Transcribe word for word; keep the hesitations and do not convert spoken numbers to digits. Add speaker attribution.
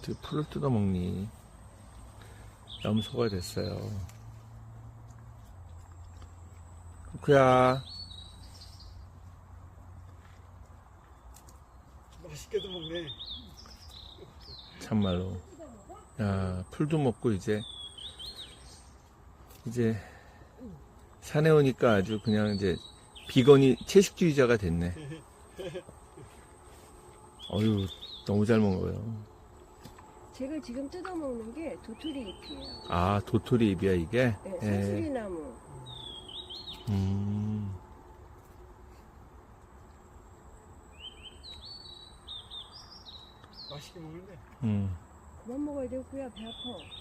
Speaker 1: 어떻게 풀을 뜯어먹니? 염소가 됐어요. 쿠쿠야,
Speaker 2: 맛있게도 먹네.
Speaker 1: 참말로. 야, 풀도 먹고 이제 이제 산에 오니까 아주 그냥 이제 비건이 채식주의자가 됐네. 어휴, 너무 잘 먹어요.
Speaker 3: 제가 지금 뜯어먹는 게 도토리 잎이에요.
Speaker 1: 아, 도토리 잎이야 이게?
Speaker 3: 네,
Speaker 1: 예.
Speaker 3: 산수리나무.
Speaker 1: 음.
Speaker 2: 맛있게 먹는데.
Speaker 1: 음.
Speaker 3: 그만 먹어야 되고요. 배 아파.